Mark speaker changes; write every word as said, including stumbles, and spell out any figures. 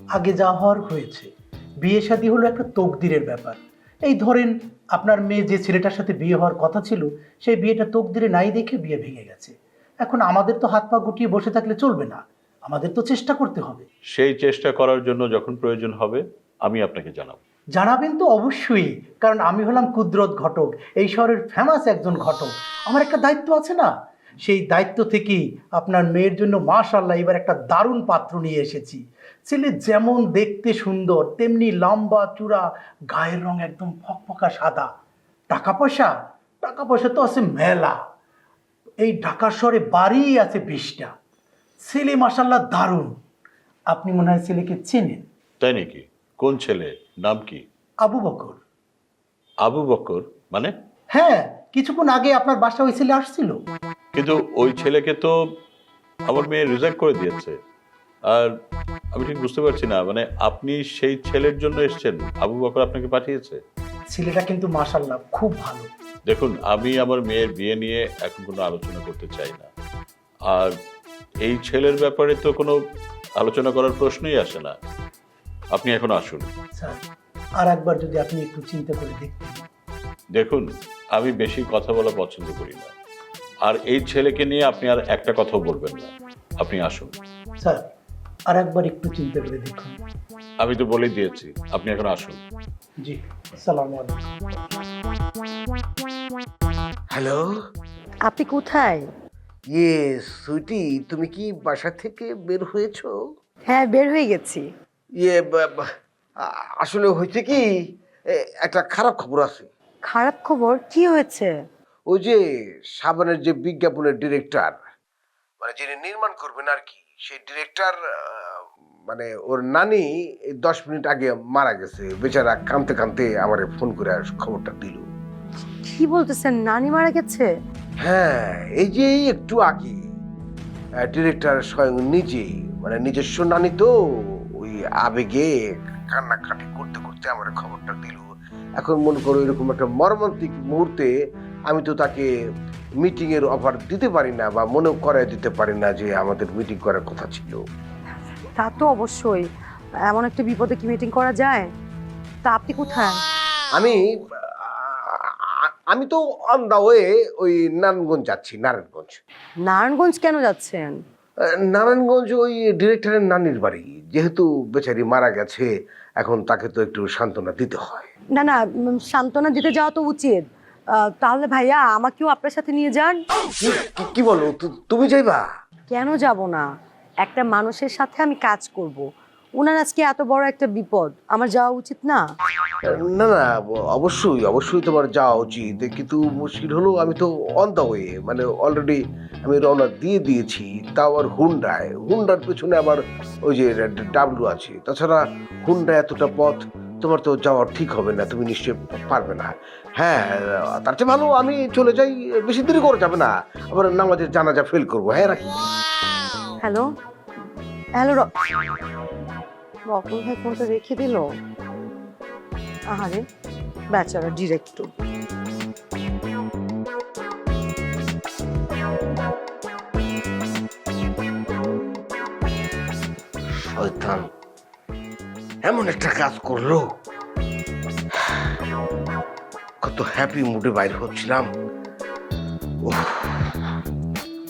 Speaker 1: আগে যা হওয়ার হয়েছে। বিয়ে শাদী হলো একটা তকদিরের ব্যাপার। এই ধরেন আপনার মেয়ে যে ছেলেটার সাথে বিয়ে হওয়ার কথা ছিল, সেই বিয়েটা তকদিরে নাই দেখে বিয়ে ভেঙে গেছে। এখন আমাদের তো হাত পা গুটিয়ে বসে থাকলে চলবে না, আমাদের তো চেষ্টা করতে হবে।
Speaker 2: সেই চেষ্টা করার জন্য যখন প্রয়োজন হবে আমি আপনাকে জানাবো।
Speaker 1: জানাবেন তো অবশ্যই, কারণ আমি হলাম কুদরত ঘটক, এই শহরের ফেমাস একজন ঘটক। আমার একটা দায়িত্ব আছে না, সেই দায়িত্ব থেকেই আপনার মেয়ের জন্য মাশাআল্লাহ এবার একটা দারুণ পাত্র নিয়ে এসেছি। ছেলে যেমন দেখতে সুন্দর, তেমনি লম্বা চূড়া, গায়ের রং একদম ফকফকা সাদা। টাকা পয়সা টাকা পয়সা তো আছে মেলা। এই ঢাকা শহরে বাড়ি আছে বিশটা। ছেলে মাশাআল্লাহ দারুণ। আপনি মনে হয় ছেলেকে চেনেন।
Speaker 2: তাই নাকি? কোন ছেলে? নাম কি?
Speaker 1: আবু বকর।
Speaker 2: আবু বকর মানে?
Speaker 1: হ্যাঁ, কিছুক্ষণ আগে আপনার বাসা ওই ছেলে আসছিল।
Speaker 2: কিন্তু ওই ছেলেকে তো আমার মেয়ে রিজেক্ট করে দিয়েছে। আর আমি ঠিক বুঝতে পারছি না, মানে আপনি সেই ছেলের জন্য এসেছেন? আবু বকর আপনাকে পাঠিয়েছে?
Speaker 1: ছেলেটা কিন্তু মাশাআল্লাহ খুব ভালো।
Speaker 2: দেখুন, আমি আমার মেয়ের বিয়ে নিয়ে এখন কোনো আলোচনা করতে চাই না। আর এই ছেলের ব্যাপারে তো কোনো আলোচনা করার প্রশ্নই আসে না। আপনি এখন আসুন।
Speaker 1: স্যার, আর একবার যদি আপনি একটু চিন্তা করে দেখতেন।
Speaker 2: দেখুন, আমি বেশি কথা বলা পছন্দ করি না। আর এই ছেলেকে নিয়ে আপনি আর একটা কথাও বলবেন না। আপনি আসুন।
Speaker 1: স্যার, আর একবার একটু চিন্তা করে দেখুন।
Speaker 2: আমি তো বলেই দিয়েছি, আপনি এখন আসুন।
Speaker 1: জি, আসসালামু আলাইকুম।
Speaker 3: হ্যালো।
Speaker 4: আপনি কোথায়?
Speaker 3: ইয়ে সুইটি, তুমি কি বাসা থেকে বের হয়েছো?
Speaker 4: হ্যাঁ, বের হয়ে গেছি।
Speaker 3: ইয়ে বা- বা- আ- আসলে হয়েছে কি, এ, একটা খারাপ খবর আছে।
Speaker 4: খারাপ খবর? কি হয়েছে?
Speaker 3: ওই যে সাবানের যে বিজ্ঞাপনের ডিরেক্টর, মানে যিনি নির্মাণ করবেন আর কি, সেই ডিরেক্টর মানে ওর নানি এই দশ মিনিট আগে মারা গেছে। বেচারা কাঁদতে কাঁদতে আমার ফোন করে খবরটা দিল।
Speaker 4: কি বলতেছেন? নানি মারা গেছে?
Speaker 3: হ্যাঁ, এই যে একটু আগে ডিরেক্টর স্বয়ং নিজেই, মানে নিজস্ব নানি তো, ওই আবেগে কান্নাকাটি করতে করতে আমার খবরটা দিল। এখন মনে করো এরকম একটা মর্মান্তিক মুহূর্তে আমি তো তাকে মিটিং এর অফার দিতে পারি না, বা মনেও করাই দিতে পারি না যে আমাদের মিটিং করার কথা ছিল।
Speaker 4: তা তো অবশ্যই। এমন একটা বিপদে কি মিটিং করা যায়? তা আপনি কোথায়?
Speaker 3: আমি আ- আমি তো অন দা ওয়ে ওই নারায়ণগঞ্জ যাচ্ছি। নারায়ণগঞ্জ
Speaker 4: নারায়ণগঞ্জ কেন যাচ্ছেন?
Speaker 3: নারায়ণগঞ্জ ওই ডিরেক্টরের নানির বাড়ি, যেহেতু বেচারি মারা গেছে, এখন তাকে তো একটু সান্ত্বনা দিতে হয়।
Speaker 4: না না, উম, সান্ত্বনা দিতে যাওয়া তো উচিত। আহ, তাহলে ভাইয়া আমাকেও আপনার সাথে নিয়ে যান।
Speaker 3: কি- কি- কি বলো, তু- তুমি যাইবা?
Speaker 4: কেন যাব না? একটা মানুষের সাথে আমি কাজ করব। ওনার আজকে এত বড় একটা বিপদ, আমার যাওয়া উচিত না?
Speaker 3: না না, অবশ্যই অবশ্যই তোমার যাওয়া উচিত, কিন্তু মুশকিল হলো আমি তো অন দা ওয়ে, মানে অলরেডি আমি রওনা দিয়ে দিয়েছি। তাও আর হুন্ডায়, হুন্ডার পেছনে আবার ওই যে ডাবলু আছে। তাছাড়া হুন্ডা এতটা পথ তোমার তো যাওয়া ঠিক হবে না, তুমি নিশ্চয়ই পারবে না। হ্যাঁ, তার চেয়ে ভালো আমি চলে যাই, বেশি দেরি করে যাবে না, আবার নামাজের জানাজা ফেল করবো। হ্যাঁ, রাখি।
Speaker 4: হ্যালো হ্যালো রকম ভাই ফোনটা রেখে দিল। আহারে বেচারা ডিরেক্টর।
Speaker 3: শয়তান এমন একটা কাজ করলো। কত হ্যাপি মুডে বাইরে হচ্ছিলাম। উফ,